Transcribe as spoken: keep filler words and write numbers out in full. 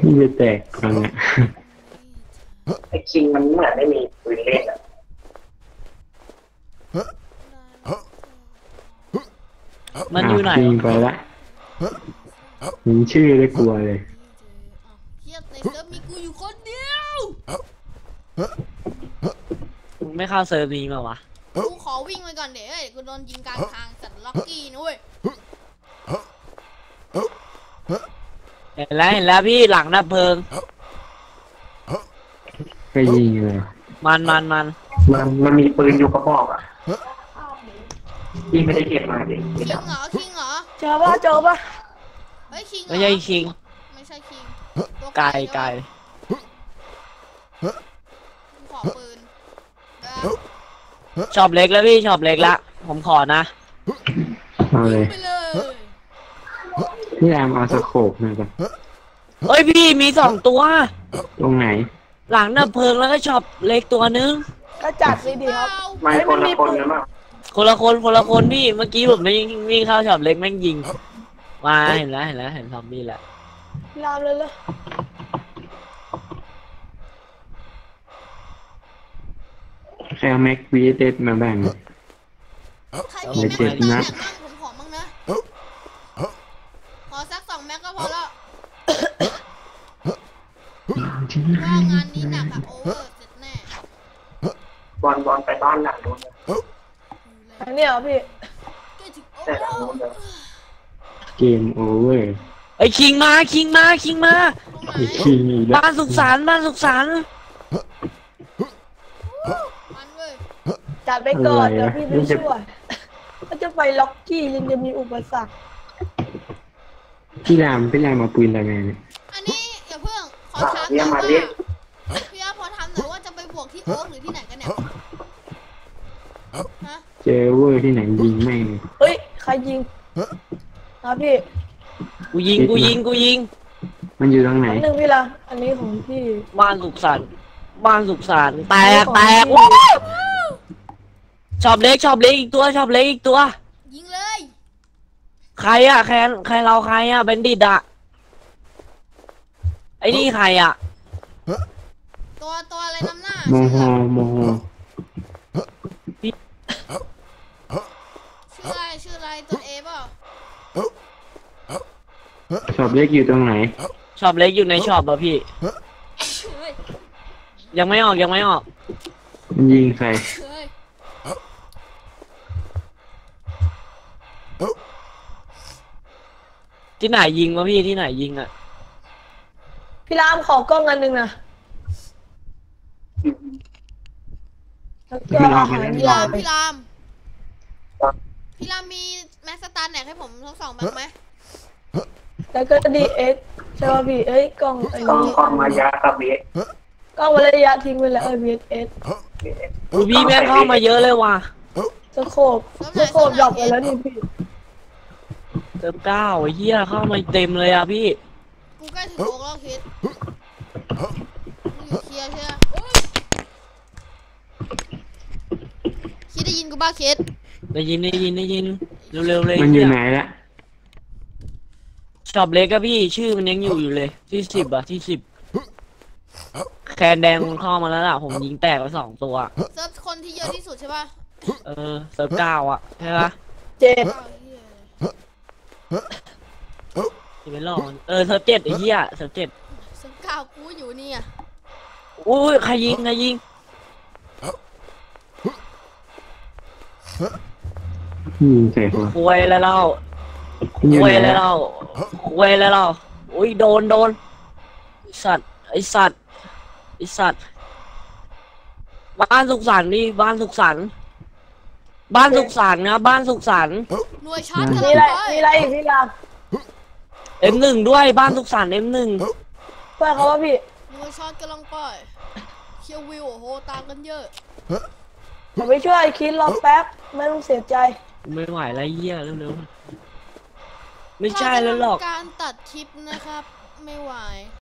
ที่จะแตกครั้งอ่ะไอ้คิงมันเหมือนไม่มีปืนเล่นอ่ะมันอยู่ไหนคิงไปละยิงชื่อได้กลัวเลยเฮียในเซิร์ฟมีกูอยู่คนเดียวมึงไม่เข้าเซิร์ฟนี้มาวะกูขอวิ่งไปก่อนเดี๋ยวเอ้ยกูโดนยิงกลางทางสัตว์ล็อกกี้นะเว้ยเห็นแล้วเห็นแล้วพี่หลังดับเพลิงก็ยิงเลยมันมันมันมันมันมีปืนอยู่กระบอกอ่ะที่ไม่ได้เก็บมาดิคิงเหรอคิงเหรอเจอปะเจอปะเฮ้ยคิงเหรอไม่ใช่คิงไม่ใช่คิงตัวไก่ใช่ไก่ปะกูขอปืนเออชอบเล็กแล้วพี่ชอบเล็กละผมขอนะเอาเลยไปเลยพี่แรมเอาสโคปหน่อยก่อนเฮ้ยพี่มีสองตัวตรงไหนหลังดับเพลิงแล้วก็ชอบเล็กตัวนึงก็จัดเลยดีครับไม่คนละคนนะมั้งคนละคนคนละคนพี่เมื่อกี้ผมไม่วิ่งเข้าชอบเล็กแม่งยิงมาเห็นแล้วเห็นแล้วเห็นซอมบี้แล้วรามเลยเลยแค่แม็กวีเอสมาแบ่งใครมีแม็กเจ็ดบ้างนัแม็ดกบ้างผมขอบ้างนะขอสักสองแม็กก็พอแล้วว่างานนี้หนักอะโอเวอร์เสร็จแน่บอลบอลไปบ้านหลังนู้นเลยอันนี้เหรอพี่ใกล้ถึงโอแต่เวหลังอนู้นเลยร์เกมโอเวอร์ไอ้ยคิงมาคิงมาคิงมาตรงไหนไอ้คิงอีกแล้วบ้านสุขสันต์บ้านสุขสันต์มันเว้ยจัดไปก่อนเดี๋ยวพี่ไปช่วยก็จะไปล็อกกี้ยังจะมีอุปสรรคพี่แรมพี่แรมมาปืนอะไรเนี่ยอันนี้อย่าเพิ่งขออ่ะถามหเรียน่กอยมาว่าเรียกพี่อาพอทำหน่อยว่าจะไปบวกที่โอ๊กหรือที่ไหนกันเนี่ยฮะเจอเวอร์ที่ไหนยิงไม่งเฮ้ยใครยิงนะพี่กูยิงกูยิงกูยิงมันอยู่ตรงไหนอันหนึ่งพี่ละอันนี้ของพี่บ้านสุขสันต์บ้านสุขสันต์แตกแตกของพี่ชอบเล็กชอบเล็กอีกตัวชอบเล็กอีกตัวยิงเลยใครอะแคนใครเราใครอะเบนดิตอะไอ้นี่ใครอะตัวตัวอะไรนำหน้าโมชื่อโหโมโหชื่ออะไรชื่ออะไรตัวเอเปล่าชอบเล็กอยู่ตรงไหนชอบเล็กอยู่ในช็อปอะพี่เฮ้ยยังไม่ออกยังไม่ออกมันยิงใครเฮ้ยที่ไหนยิงวะพี่ที่ไหนยิงอะพี่รามขอกล้องอันหนึ่งนะแล้วก็อาหารพี่ใหญ่รามพี่รามพี่รามมีแม็กสตาร์แหนกให้ผมทั้งสองแม็กไหมแล้วก็ดีเอสใช่ป่ะพี่เอ้ยกล้องไอ้กล้องนี่กล้องมายากับเบสกล้องวัระยะทิ้งไปแล้วเออวีเอสอูพี่แม่งเข้ามาเยอะเลยว่ะสโคบสโคบดรอปไปแล้วนี่พี่เติมเก้าไอ้เหี้ยเข้ามาเต็มเลยอะพี่กูใกล้ถึงโอ๊กแล้วคิดมึงอยู่เคลียร์ใช่ไหมคิดได้ยินกูบ้าคิดได้ยินได้ยินได้ยินเร็วๆเลยมันอยู่ไหนเยละชอบเล็กอะพี่ชื่อมันยังอยู่อยู่เลยที่สิบอะที่สิบแคนแดงมันเข้ามาแล้วล่ะผมยิงแตกไปสองตัวเซิร์ฟคนที่เยอะที่สุดใช่ป่ะเออเซิร์ฟเก้าอะใช่ปะเจ็ดอ้าวเหี้ยจะเป็นรองเออเซิร์ฟเจ็ดไอ้เหี้ยเซิร์ฟเจ็ดเซิร์ฟเก้ากูอยู่นี่อ่ะอุ้ยใครยิงใครยิงยิงใส่หัวคุยแล้วเราอยู่คุยไหนแล้วละเราคุยแล้วเราอุ้ยโดนโดนไอ้สัตว์ไอสัตว์ไอสัตว์บ้านสุขสันต์ดิบ้านสุขสันต์บ้านสุขสันต์นะบ้านสุขสันต์หน่วยชาร์จกำมีลังอะไรไปมีอะไรอีกพี่รามเอ็มหนึ่งด้วยบ้านสุขสันต์เอ็มหนึ่งเพื่อนเขาว่าพี่หน่วยชาร์จกำลังไปเคียววิวโอ้โหตามกันเยอะผมไปช่วยคิดรอแป๊บไม่ต้องเสียใจไม่ไหวแล้วเหี้ยเร็วๆไม่ใช่แล้วหรอกการตัดคลิปนะครับ ไม่ไหว